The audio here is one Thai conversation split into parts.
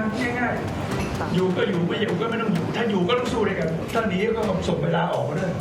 ง่ายๆอยู่ก็อยู่ไม่อยู่ก็ไม่ต้องอยู่ถ้าอยู่ก็ต้องสู้ด้วยกันถ้าหนีก็ส่งเวลาออกมาด้วย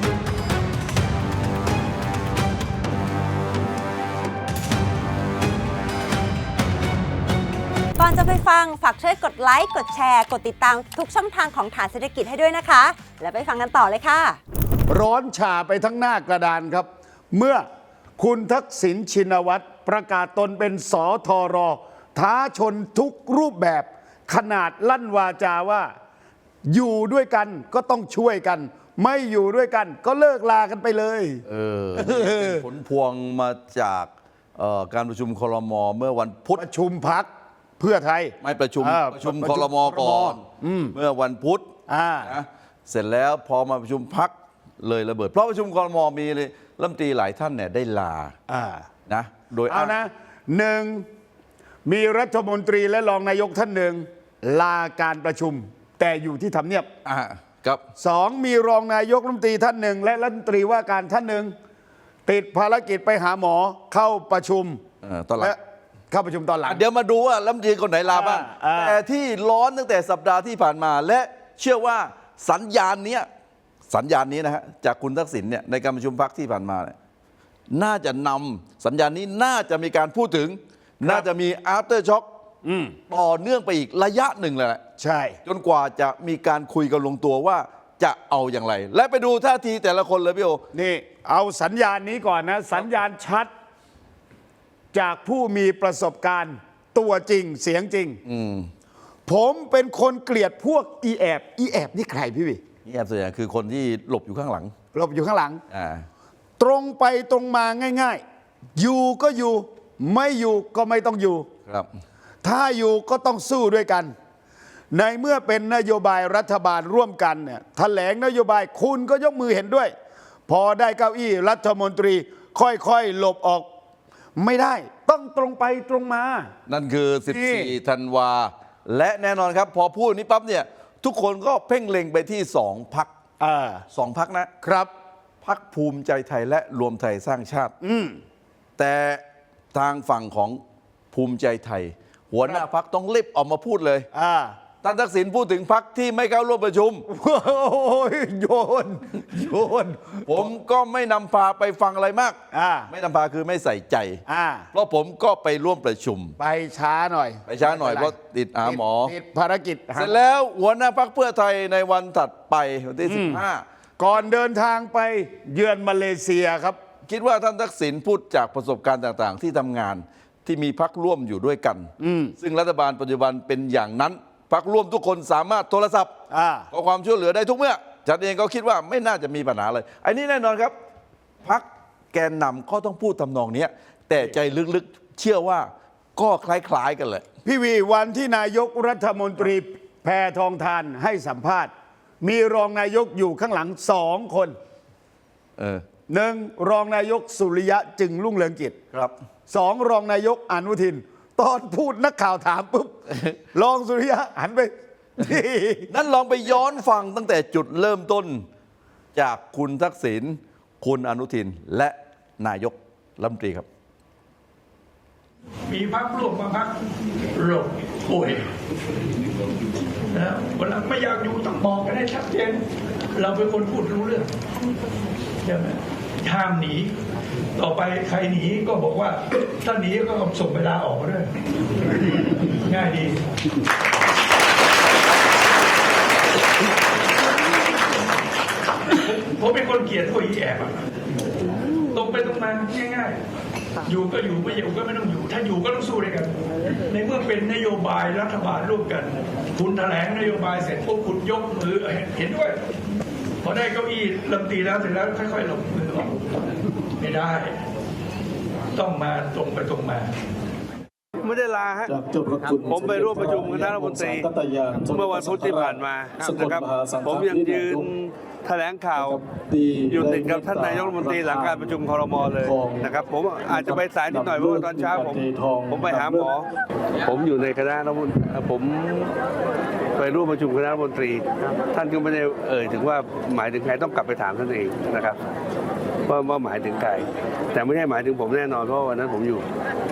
ก่อนจะไปฟังฝากช่วยกดไลค์กดแชร์กดติดตามทุกช่องทางของฐานเศรษฐกิจให้ด้วยนะคะแล้วไปฟังกันต่อเลยค่ะร้อนฉ่าไปทั้งหน้ากระดานครับ เมื่อคุณทักษิณชินวัตรประกาศตนเป็นสทรท้าชนทุกรูปแบบขนาดลั่นวาจาว่าอยู่ด้วยกันก็ต้องช่วยกัน ไม่อยู่ด้วยกันก็เลิกลากันไปเลยเป็นผลพวงมาจากการประชุมครม.เมื่อวันพุธประชุมพักเพื่อไทยไม่ประชุมครม.ก่อนเมื่อวันพุธนะเสร็จแล้วพอมาประชุมพักเลยระเบิดเพราะประชุมครม.มีเลยรัฐมนตรีหลายท่านเนี่ยได้ลานะโดยเอานะหนึ่งมีรัฐมนตรีและรองนายกท่านหนึ่งลาการประชุมแต่อยู่ที่ทำเนียบครับสองมีรองนายกรัฐมนตรีท่านหนึ่งและรัฐมนตรีว่าการท่านหนึ่งติดภารกิจไปหาหมอเข้าประชุมตอนหลังเข้าประชุมตอนหลังเดี๋ยวมาดูว่ารัฐมนตรีคนไหนลาบ้างแต่ที่ร้อนตั้งแต่สัปดาห์ที่ผ่านมาและเชื่อว่าสัญญาณนี้นะฮะจากคุณทักษิณเนี่ยในการประชุมพรรคที่ผ่านมาเนี่ยน่าจะนำสัญญาณนี้น่าจะมีการพูดถึงน่าจะมี after shock ต่อเนื่องไปอีกระยะหนึ่งเลยแหละใช่จนกว่าจะมีการคุยกันลงตัวว่าจะเอาอย่างไรและไปดูท่าทีแต่ละคนเลยพี่โอนี่เอาสัญญาณนี้ก่อนนะสัญญาณชัดจากผู้มีประสบการณ์ตัวจริงเสียงจริงผมเป็นคนเกลียดพวกอีแอบนี่ใครพี่วิอีแอบส่วนใหญ่คือคนที่หลบอยู่ข้างหลังตรงไปตรงมาง่ายๆอยู่ก็อยู่ไม่อยู่ก็ไม่ต้องอยู่ครับถ้าอยู่ก็ต้องสู้ด้วยกันในเมื่อเป็นนโยบายรัฐบาลร่วมกันเนี่ยแถลงนโยบายคุณก็ยกมือเห็นด้วย พอได้เก้าอี้รัฐมนตรีค่อยๆหลบออกไม่ได้ต้องตรงไปตรงมานั่นคือ14 ธันวาและแน่นอนครับพอพูดนี้ปั๊บเนี่ยทุกคนก็เพ่งเล็งไปที่2 พรรค2 พรรคนะครับพรรคภูมิใจไทยและรวมไทยสร้างชาติแต่ทางฝั่งของภูมิใจไทยหัวหน้าพรรคต้องรีบออกมาพูดเลยท่านทักษิณพูดถึงพรรคที่ไม่เข้าร่วมประชุมโยนผมก็ไม่นำพาไปฟังอะไรมากไม่นำพาคือไม่ใส่ใจเพราะผมก็ไปร่วมประชุมไปช้าหน่อยเพราะติดหมอติดภารกิจเสร็จแล้วหัวหน้าพรรคเพื่อไทยในวันถัดไปวันที่15 ก่อนเดินทางไปเยือนมาเลเซียครับคิดว่าท่านทักษิณพูดจากประสบการณ์ต่างๆที่ทำงานที่มีพรรคร่วมอยู่ด้วยกันซึ่งรัฐบาลปัจจุบันเป็นอย่างนั้นพรรคร่วมทุกคนสามารถโทรศัพท์ขอความช่วยเหลือได้ทุกเมื่อฉันเองก็คิดว่าไม่น่าจะมีปัญหาเลยอันนี้แน่นอนครับพรรคแกนนำก็ต้องพูดทำนองนี้แต่ใจลึกๆเชื่อว่าก็คล้ายๆกันเลยพี่วีวันที่นายกรัฐมนตรีแพทองธารให้สัมภาษณ์มีรองนายกอยู่ข้างหลัง2 คนหนึ่งรองนายกสุริยะจึงรุ่งเรืองกิจครับ 2รองนายกอนุทินตอนพูดนักข่าวถามปุ๊บรองสุริยะหันไปนั้นลองไปย้อนฟังตั้งแต่จุดเริ่มต้นจากคุณทักษิณคุณอนุทินและนายกรัฐมนตรีครับมีพรรคร่วมมาพรรคหลบป่วยนะเวลาไม่อยากอยู่ต้องบอกกันให้ชัดเจนเราเป็นคนพูดรู้เรื่องใช่ไหมห้ามหนีต่อไปใครหนีก็บอกว่าถ้าหนีก็ส่งเวลาออกมาด้วยง่ายดีผมเป็นคนเกลียดพวกอีแอบตรงไปตรงมาง่ายๆอยู่ก็อยู่ไม่อยู่ก็ไม่ต้องอยู่ถ้าอยู่ก็ต้องสู้ด้วยกันในเมื่อเป็นนโยบายรัฐบาลร่วมกันคุณแถลงนโยบายเสร็จพวกคุณยกมือเห็นด้วยพอได้เก้าอี้ลำตีแล้วเสร็จแล้วค่อยๆลงมือออกไม่ได้ต้องมาตรงไปตรงมาไม่ได้ลาฮะผมไปร่วมประชุมคณะรัฐมนตรีเมื่อวันพุธที่ผ่านมานะครับผมยังยืนแถลงข่าวอยู่ติดกับท่านนายกรัฐมนตรีหลังการประชุมครม.เลยนะครับผมอาจจะไปสายนิดหน่อยเพราะว่าตอนเช้าผมไปหาหมอผมอยู่ในคณะรัฐมนตรีผมไปร่วมประชุมคณะรัฐมนตรีท่านก็ไม่ได้ถึงว่าหมายถึงใครต้องกลับไปถามท่านเองนะครับว่าหมายถึงใครแต่ไม่ใช่หมายถึงผมแน่นอนเพราะวันนั้นผมอยู่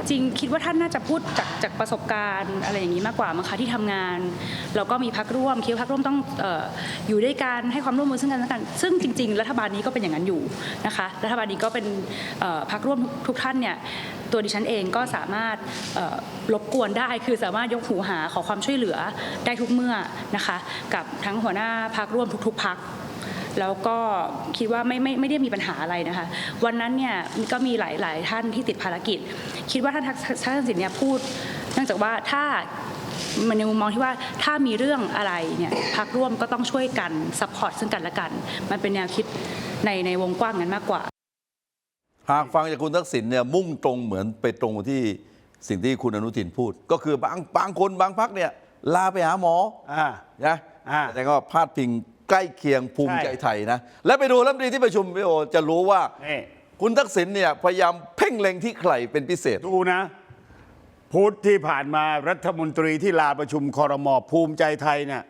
จริงคิดว่าท่านน่าจะพูดจากประสบการณ์อะไรอย่างนี้มากกว่ามั้งคะที่ทำงานแล้วก็มีพรรคร่วมคิดว่าพรรคร่วมต้องอยู่ด้วยกันให้ความร่วมมือซึ่งกันและกันซึ่งจริงๆรัฐบาลนี้ก็เป็นอย่างนั้นอยู่นะคะรัฐบาลนี้ก็เป็นพรรคร่วมทุกท่านเนี่ยตัวดิฉันเองก็สามารถรบกวนได้คือสามารถยกหูหาขอความช่วยเหลือได้ทุกเมื่อนะคะกับทั้งหัวหน้าพรรคร่วมทุกๆพรรคแล้วก็คิดว่าไม่ได้มีปัญหาอะไรนะคะวันนั้นเนี่ยก็มีหลายท่านที่ติดภารกิจคิดว่าท่านทักษิณเนี่ยพูดเนื่องจากว่าถ้ามันในมุมมองที่ว่าถ้ามีเรื่องอะไรเนี่ยพรรคร่วมก็ต้องช่วยกันซัพพอร์ตซึ่งกันและกันมันเป็นแนวคิดในวงกว้างนั้นมากกว่าหากฟังจากคุณทักษิณเนี่ยมุ่งตรงเหมือนไปตรงที่สิ่งที่คุณอนุทินพูด ก็คือบางคนบางพรรคเนี่ยลาไปหาหมอนะแต่ก็พาดพิงใกล้เคียงภูมิใจไทยนะและไปดูรัฐมนตรีที่ประชุมพี่โอจะรู้ว่าคุณทักษิณเนี่ยพยายามเพ่งเล็งที่ใครเป็นพิเศษดูนะพุธที่ผ่านมารัฐมนตรีที่ลาประชุมครม.ภูมิใจไทยเนี่ย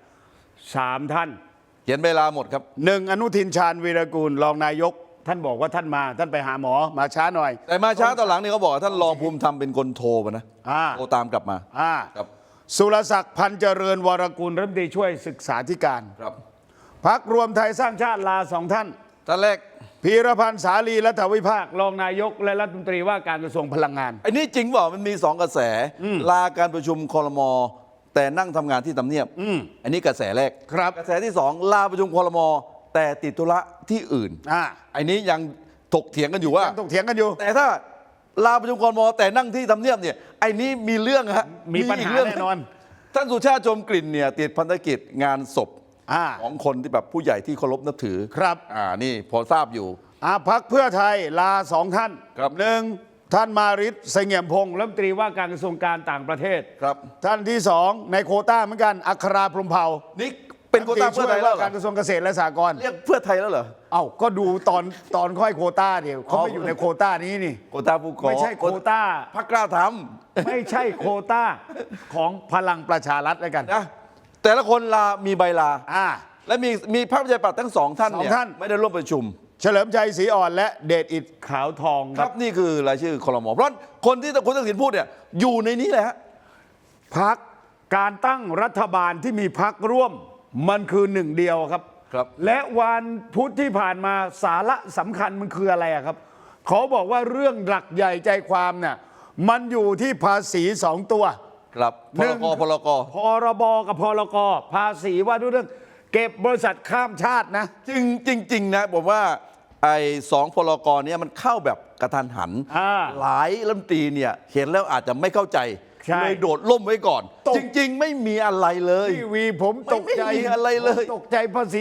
3 ท่านเขียนเวลาหมดครับ 1อนุทินชาญวีรกูลรองนายกท่านบอกว่าท่านไปหาหมอมาช้าหน่อยแต่มาช้าตอนหลังนี่เขาบอกท่านรองภูมิธรรมเป็นคนโทรมานะโทรตามกลับมาครับสุรศักดิ์พันธ์เจริญวรกุลรัฐมนตรีช่วยศึกษาธิการครับพรรครวมไทยสร้างชาติลา2 ท่านแรกพีรพันธ์สาลีรัฐวิภาครองนายกและรัฐมนตรีว่าการกระทรวงพลังงานอันนี้จริงเปล่ามันมี2 กระแสลาการประชุมครม.แต่นั่งทำงานที่ทำเนียบอันนี้กระแสแรกครับกระแสที่2ลาประชุมครม.แต่ติดธุระที่อื่นอันนี้ยังถกเถียงกันอยู่ว่าถกเถียงกันอยู่แต่ถ้าลาประชุมครม.แต่นั่งที่ทำเนียบเนี่ยไอ้นี้มีเรื่องฮะมีปัญหาแน่นอนท่านสุชาติชมกลิ่นเนี่ยติดภารกิจงานศพของคนที่แบบผู้ใหญ่ที่เคารพนับถือครับนี่พอทราบอยู่พรรคเพื่อไทยลา2 ท่านครับ 1ท่านมาริศเสงี่ยมพงษ์รัฐมนตรีว่าการกระทรวงการต่างประเทศครับท่านที่2ในโควต้าเหมือนกันอัคราพรหมเผ่านี่เป็นโควต้าเพื่อไทยแล้วการกระทรวงเกษตรและสหกรณ์เรียกเพื่อไทยแล้วเหรอก็ดูตอนค่อยโควต้าเดียวเขาไม่อยู่ในโควต้านี้นี่โควต้าผู้ก่อไม่ใช่โควต้าพรรคกล้าทำไม่ใช่โควต้าของพลังประชารัฐแล้วกันนะแต่ละคนลามีใบลาและมีพรรคประชาธิปัตย์ทั้ง2 ท่านเนี่ยไม่ได้ร่วมประชุมเฉลิมชัยศรีอ่อนและเดชอิฐขาวทองครับนี่คือรายชื่อครม.เพราะคนที่คุณทักษิณพูดเนี่ยอยู่ในนี้แหละฮะพรรคการตั้งรัฐบาลที่มีพรรคร่วมมันคือ1 เดียวครับและวันพุธที่ผ่านมาสาระสำคัญมันคืออะไรครับเขาบอกว่าเรื่องหลักใหญ่ใจความเนี่ยมันอยู่ที่ภาษี2 ตัวครับพรบกับพรกภาษีว่าด้วยเรื่องเก็บบริษัทข้ามชาตินะจริงนะผมว่าไอ้2 พรกเนี่ยมันเข้าแบบกระทันหันหลายรัฐมนตรีเนี่ยเห็นแล้วอาจจะไม่เข้าใจเลยโดดล่มไว้ก่อนจริงๆไม่มีอะไรเลยพี่วีผมตกใจอะไรเลยตกใจภาษี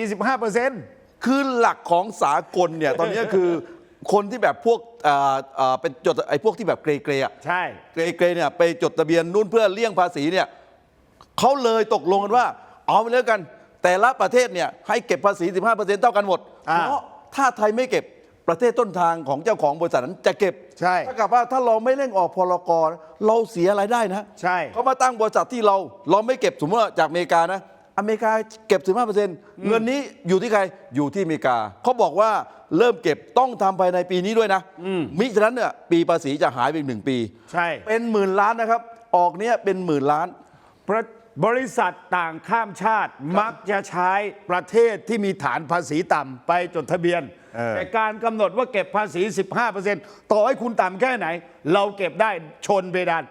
15% คือหลักของสากลเนี่ยตอนนี้คือคนที่แบบพวกเป็นจดไอ้พวกที่แบบเกรๆใช่เกรเนี่ยไปจดทะเบียนนู่นเพื่อเลี่ยงภาษีเนี่ยเขาเลยตกลงกันว่าเอาไปเลยกันแต่ละประเทศเนี่ยให้เก็บภาษี 15% เท่ากันหมดเพราะถ้าไทยไม่เก็บประเทศต้นทางของเจ้าของบริษัทนั้นจะเก็บใช่ถ้ากับว่าถ้าเราไม่เร่งออกพรกเราเสียรายได้นะใช่เขามาตั้งบริษัทที่เราไม่เก็บสมมติว่าจากอเมริกานะอเมริกาเก็บ 15% เงินนี้อยู่ที่ใครอยู่ที่อเมริกาเขาบอกว่าเริ่มเก็บต้องทำภายในปีนี้ด้วยนะมิฉะนั้นเนี่ยปีภาษีจะหายไปอีก1 ปีใช่เป็นหมื่นล้านนะครับออกเนี้ยเป็นหมื่นล้านบริษัทต่างข้ามชาติมักจะใช้ประเทศที่มีฐานภาษีต่ำไปจดทะเบียนแต่การกำหนดว่าเก็บภาษี 15% ต่อให้คุณต่ำแค่ไหนเราเก็บได้ชนเพดาน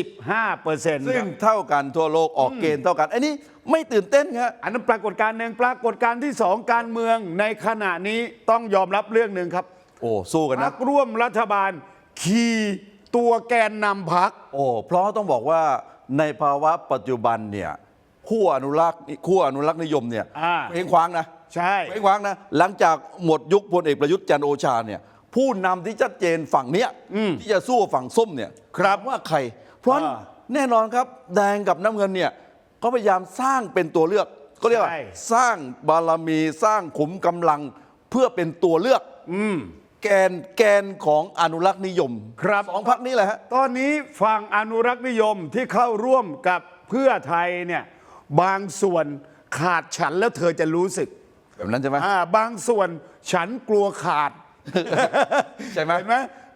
15% ซึ่งเท่ากันทั่วโลกออกเกณฑ์เท่ากันอันนี้ไม่ตื่นเต้นครับอันนั้นปรากฏการณ์หนึ่งปรากฏการณ์ที่2การเมืองในขณะนี้ต้องยอมรับเรื่องหนึ่งครับสู้กันนะพรรคร่วมรัฐบาลขี่ตัวแกนนำพรรคเพราะต้องบอกว่าในภาวะปัจจุบันเนี่ยขั้วอนุรักษ์นิยมเนี่ยเพ่งคว้างนะใช่เพ่งคว้างนะหลังจากหมดยุคพลเอกประยุทธ์จันทร์โอชาเนี่ยผู้นำที่ชัดเจนฝั่งเนี้ยที่จะสู้ฝั่งส้มเนี่ยครับว่าใครเพราะแน่นอนครับแดงกับน้ำเงินเนี่ยก็พยายามสร้างเป็นตัวเลือกก็เรียกว่าสร้างบารมีสร้างขุมกำลังเพื่อเป็นตัวเลือกแกนของอนุรักษ์นิยมครับ 2 พรรคนี้แหละฮะตอนนี้ฝั่งอนุรักษ์นิยมที่เข้าร่วมกับเพื่อไทยเนี่ยบางส่วนขาดฉันแล้วเธอจะรู้สึกแบบนั้นใช่ไหมบางส่วนฉันกลัวขาดใช่ไหมเห็นไหม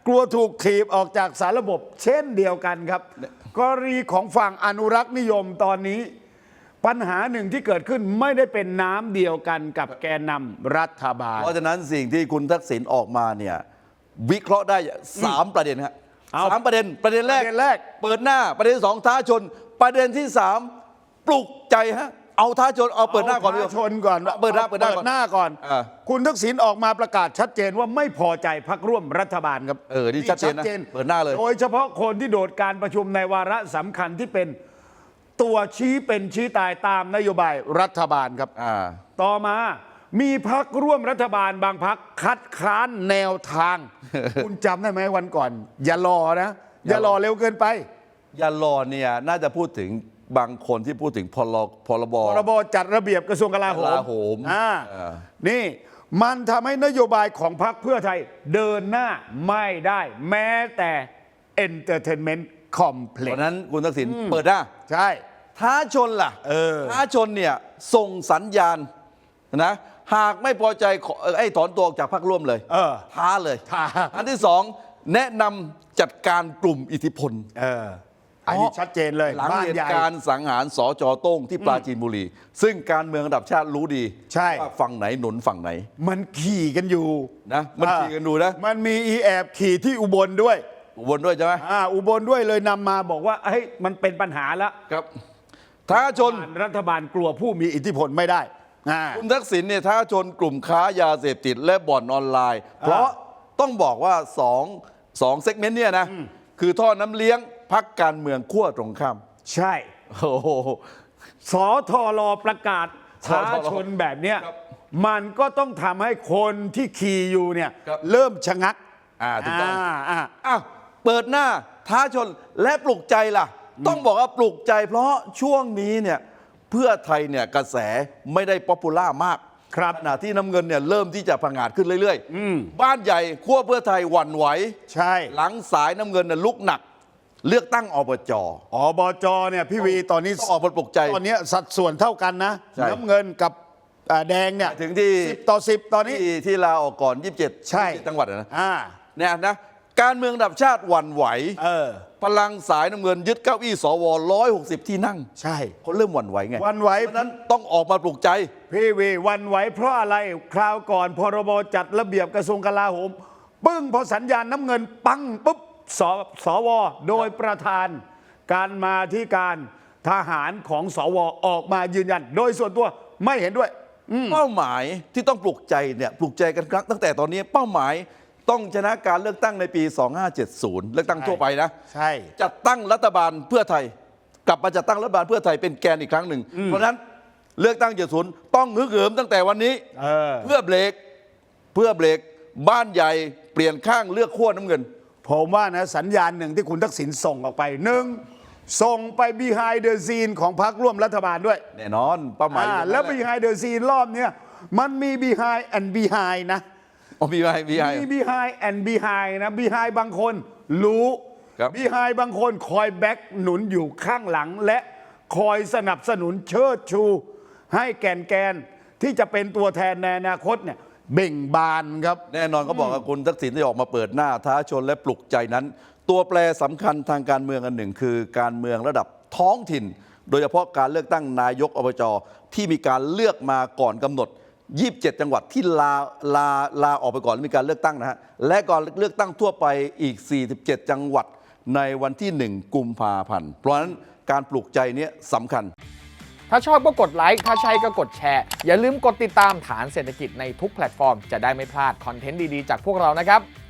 กลัวถูกถีบออกจากสารระบบเช่นเดียวกันครับ กรณีของฝั่งอนุรักษ์นิยมตอนนี้ ปัญหาหนึ่งที่เกิดขึ้นไม่ได้เป็นน้ำเดียวกันกับแกนนำรัฐบาลเพราะฉะนั้นสิ่งที่คุณทักษิณออกมาเนี่ยวิเคราะห์ได้3ประเด็นครับเอา 3ประเด็นแรกประเด็นแรกเปิดหน้าประเด็นที่2ท้าชน ประเด็นที่3ปลุกใจฮะเอาท้าชนเอาเปิดหน้าก่อนดีกท้ว่าชนก่อนเปิดหน้าเปิดหน้าก่อนอ่าคุณทักษิณออกมาประกาศชัดเจนว่าไม่พอใจพรรคร่วมรัฐบาลครับนี่ชัดเจนนะเปิดหน้าเลยโดยเฉพาะคนที่โดดการประชุมในวาระสำคัญที่เป็นตัวชี้เป็นชี้ตายตามนโยบายรัฐบาลครับ ต่อมามีพรรคร่วมรัฐบาลบางพรรคคัดค้านแนวทาง คุณจำได้ไหมวันก่อน อย่ารอนะ อย่ารอเร็วเกินไปยารอเนี่ยน่าจะพูดถึงบางคนที่พูดถึงพรบพรบจัดระเบียบกระทรวงกลาโหกลาโหมนี่มันทำให้นโยบายของพรรคเพื่อไทยเดินหน้าไม่ได้แม้แต่ Entertainment เพ Complex ราะนั้นคุณทักษิณเปิดหน้าใช่ท้าชนล่ะท้าชนเนี่ยส่งสัญญาณนะหากไม่พอใจถอนตัวออกจากพรรคร่วมเลยท้าเลยท้าอันที่2แนะนำจัดการกลุ่มอิทธิพลอันนี้ชัดเจนเลยหลังบ้านเหใหญ่ตุการณ์สังหารสจโต้งที่ปราจีนบุรี ซึ่งการเมืองระดับชาติรู้ดีใช่ว่าฝั่งไหนหนุนฝั่งไหนมันขี่กันอยู่นะมันขี่กันดูนะมันมีอีแอบขี่ที่อุบลด้วยอุบลด้วยใช่ไหมอุบลด้วยเลยนำมาบอกว่าเฮ้ยมันเป็นปัญหาแล้วครับท้าชนรัฐบาลกลัวผู้มีอิทธิพลไม่ได้คุณทักษิณเนี่ยท้าชนกลุ่มค้ายาเสพติดและบ่อนออนไลน์ เพราะต้องบอกว่าสองเซกเมนต์เนี่ยนะคือท่อน้ำเลี้ยงพักการเมืองขั้วตรงข้ามใช่โอ้โหสทรประกาศท้าชนแบบเนี้ยมันก็ต้องทำให้คนที่ขี่อยู่เนี่ยเริ่มชะงักถูกต้องอ้าวเปิดหน้าท้าชนและปลุกใจล่ะ ต้องบอกว่าปลุกใจเพราะช่วงนี้เนี่ยเพื่อไทยเนี่ยกระแสไม่ได้ป๊อปปูล่ามากครับขณะที่น้ำเงินเนี่ยเริ่มที่จะผงาดขึ้นเรื่อยๆบ้านใหญ่ขั้วเพื่อไทยหวั่นไหวใช่หลังสายน้ำเงินเนี่ยลุกหนัก เลือกตั้งอบจอบจเนี่ยพี่วีตอนนี้ต้องออกมาปลุกใจตอนนี้สัดส่วนเท่ากันนะใช่น้ำเงินกับแดงเนี่ยถึงที่ 10 ต่อ 10 ตอนนี้ที่ลาออกก่อน 27 ใช่ 27จังหวัดอะนะอ่าเนี่ยนะการเมืองระดับชาติหวั่นไหว พลังสายน้ำเงินยึดเก้าอี้สว160 ที่นั่งใช่เขาเริ่มหวั่นไหวไงหวั่นไหวเพราะฉะนั้นต้องออกมาปลุกใจพี่วีวันไหวเพราะอะไรคราวก่อนพรบจัดระเบียบกระทรวงกลาโหม ปึ้งพอสัญญาณน้ำเงินปังปุ๊บสวโดยประธานการมาที่การทหารของสวออกมายืนยัน โดยส่วนตัวไม่เห็นด้วยเป้าหมายที่ต้องปลุกใจเนี่ยปลุกใจกันครั้งตั้งแต่ตอนนี้เป้าหมายต้องชนะการเลือกตั้งในปี 2570 เลือกตั้งทั่วไปนะใช่จัดตั้งรัฐบาลเพื่อไทย กลับมาจัดตั้งรัฐบาลเพื่อไทยเป็นแกนอีกครั้งหนึ่ง เพราะฉะนั้นเลือกตั้ง70ต้องฮึกเหิมตั้งแต่วันนี้เพื่อเบรกบ้านใหญ่เปลี่ยนข้างเลือกขั้วน้ำเงินผมว่านะสัญญาณหนึ่งที่คุณทักษิณส่งออกไปหนึ่งส่งไป behind the scene ของพรรคร่วมรัฐบาลด้วยแน่นอนเป้าหมายอยู่ตรงนั้นแล้วหะ behind the scene รอบเนี้ยมันมี behind and behind นะมีไหมมี behind and behind นะ behind บางคนรู้ครับ behind บางคนคอยแบ็กหนุนอยู่ข้างหลัง และคอยสนับสนุนเชิดชู ให้แกนที่จะเป็นตัวแทนในอนาคตเนี่ยเบ่งบานครับแน่นอนเขาบอกว่าคุณทักษิณที่ออกมาเปิดหน้าท้าชนและปลุกใจนั้น ตัวแปรสำคัญทางการเมืองอันหนึ่งคือการเมืองระดับท้องถิ่น โดยเฉพาะการเลือกตั้งนายกอบจที่มีการเลือกมาก่อนกำหนด 27 จังหวัดที่ลาออกไปก่อนแล้วมีการเลือกตั้งนะฮะและก่อนเลือกตั้งทั่วไปอีก 47 จังหวัดในวันที่ 1 กุมภาพันธ์เพราะฉะนั้นการปลุกใจเนี้ยสำคัญถ้าชอบก็กดไลค์ ถ้าใช่ก็กดแชร์ อย่าลืมกดติดตามฐานเศรษฐกิจในทุกแพลตฟอร์ม จะได้ไม่พลาดคอนเทนต์ดี ๆ จากพวกเรานะครับ